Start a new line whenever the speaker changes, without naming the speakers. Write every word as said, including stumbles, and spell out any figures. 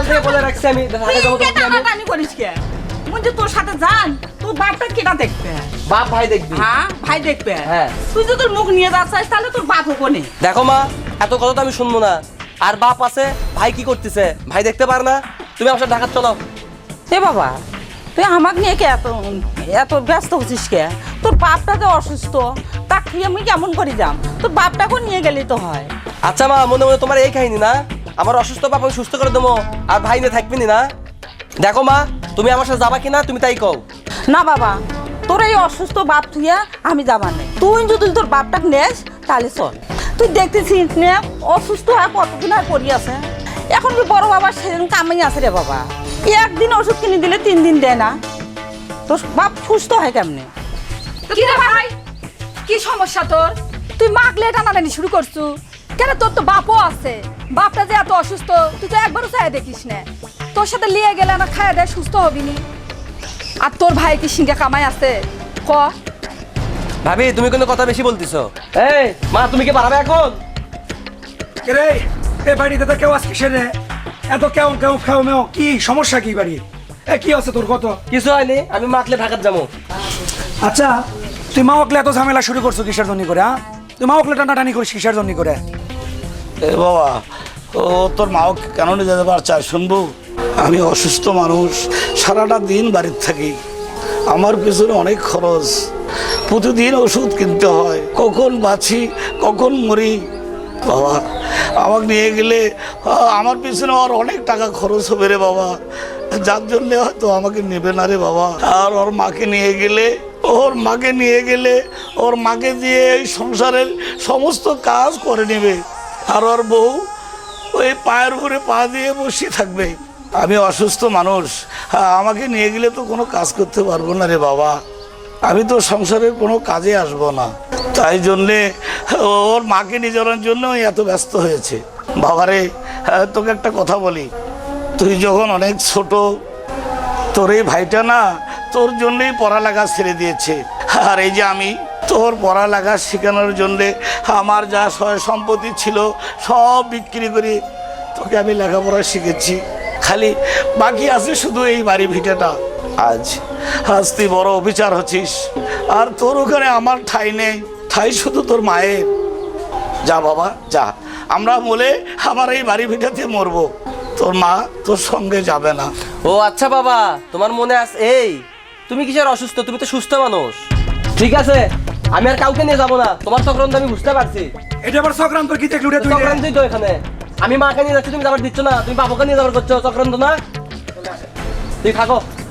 থেকে বলে রাখছি আমি ঢাকা যাবো
তুই টানাটানি করিস কে? মুই যে তোর সাথে যান, তোর বাপটা কেটা দেখবে?
বাপ ভাই দেখবি।
হ্যাঁ, ভাই দেখবে।
হ্যাঁ।
তুই যদি তোর মুখ নিয়ে যাচ্ছিস তাহলে তোর বাপ কোনে?
দেখো মা, এত কথা তো আমি শুনবো না। আর বাপ আছে, ভাই কি করতেছে ভাই দেখতে পার না? তুমি আমার সাথে ঢাকা চলো।
এ বাবা, তুই আমাকে নিয়ে কে এত এত ব্যস্ত হচ্ছিস কে? তোর বাপটা তো অসুস্থ, তাকে আমি কেমন করে যাম? তোর বাপটাকেও নিয়ে গেলি তো হয়।
আচ্ছা মা, মনে মনে তোমার এই কাহিনী না? আমার অসুস্থ বাপ আমি সুস্থ করে দেবো, আর ভাই নিয়ে থাকবি না? দেখো মা, তুমি আমার সাথে যাবা কিনা তুমি তাই কও।
না বাবা, তোর এই অসুস্থ বাপ থুইয়া আমি যাবা না। তুই যদি তোর বাপটাকে নেস তাহলে চল। তুই দেখতেছিস নে অসুস্থ হয়ে কতদিন আর পড়ি আছে। এখন কি বড় বাবা সেদিন কামাই আছে রে বাবা, একদিন ওষুধ কিনে দিলে তিন দিন দেয় না। তোর বাপ সুস্থ হয় কেমনে?
কি রে ভাই, কি সমস্যা তোর? তুই মাগলে টানাটানি শুরু করছু কেন? তোর তো বাপও আছে, বাপটা যে এত অসুস্থ তুই তো একবারও চাই দেখিস না। তোর সাথে লিয়ে গেলে না খায় দেয় সুস্থ হবি নি। আর তোর ভাই কি সিঙ্গা কামাই আছে ক?
ভাবি তুমি কোনো কথা বেশি বলতেছো। এই মা, তুমি কি পারাবে এখন?
রে এ বাড়িতে তো কেউ আজকে সেরে এত কেমন কেমন খাও মেও, কি সমস্যা কি বাড়ির? এ কি আছে তোর কত?
কিছু হয়নি, আমি মাতলে ঢাকার যাবো।
আচ্ছা, তুই মা ওকলে এত ঝামেলা শুরু করছো কিসের জন্য করে? হ্যাঁ, তুই মা ওকলে টানাটানি করিস কিসের জন্য করে?
এ বাবা, ও তোর মাও কেন নিয়ে যেতে পারছে শুনবো? আমি অসুস্থ মানুষ, সারাটা দিন বাড়িতে থাকি, আমার পিছনে অনেক খরচ, প্রতিদিন ওষুধ কিনতে হয়, কখন বাঁচি কখন মরি। বাবা আমাকে নিয়ে গেলে আহ, আমার পিছনে আর অনেক টাকা খরচ হবে রে বাবা, যার জন্যে হয়তো আমাকে নেবে না রে বাবা। আর ওর মাকে নিয়ে গেলে ওর মাকে নিয়ে গেলে ওর মাকে দিয়ে এই সংসারের সমস্ত কাজ করে নেবে, আর ওর বউ ওই পায়ের উপরে পা দিয়ে বসে থাকবে। আমি অসুস্থ মানুষ, হ্যাঁ, আমাকে নিয়ে গেলে তো কোনো কাজ করতে পারবো না রে বাবা, আমি তো সংসারের কোনো কাজে আসবো না। তাই জন্যে ওর মাকে নিয়ে যাওয়ার জন্য এত ব্যস্ত হয়েছে। বাবারে, হ্যাঁ, তোকে একটা কথা বলি, তুই যখন অনেক ছোট, তোর এই ভাইটা না তোর জন্যই পড়ালেখা ছেড়ে দিয়েছে, আর এই যে আমি তোর পড়ালেখা শেখানোর জন্যে আমার যা সয় সম্পত্তি ছিল সব বিক্রি করে তোকে আমি লেখাপড়া শিখেছি। খালি বাকি আছে শুধু এই বাড়ি ভিটাটা। আজ আজ তুই বড় অবিচার হচ্ছিস, আর তোর ওখানে আমার ঠাঁই নেই, ঠাঁই শুধু তোর মায়ের। যা বাবা যা, আমরা বলে আমার এই বাড়ি ভিটাতে মরবো, তোর মা তোর সঙ্গে যাবে না।
ও আচ্ছা বাবা, তোমার মনে আছে এই তুমি কিসের অসুস্থ? তুমি তো সুস্থ মানুষ। ঠিক আছে, আমি আর কাউকে নিয়ে যাবো না, তোমার চক্রান্ত আমি বুঝতে পারছি।
এটা আবার চক্রান্ত কি দেখলু রে তুই?
চক্রান্তই তো এখানে। আমি মাকে নিয়ে যাচ্ছি, তুমি যাবার দিচ্ছ না, তুমি বাবাকে নিয়ে যাবার করছো, চক্রান্ত না? তুই থাকো।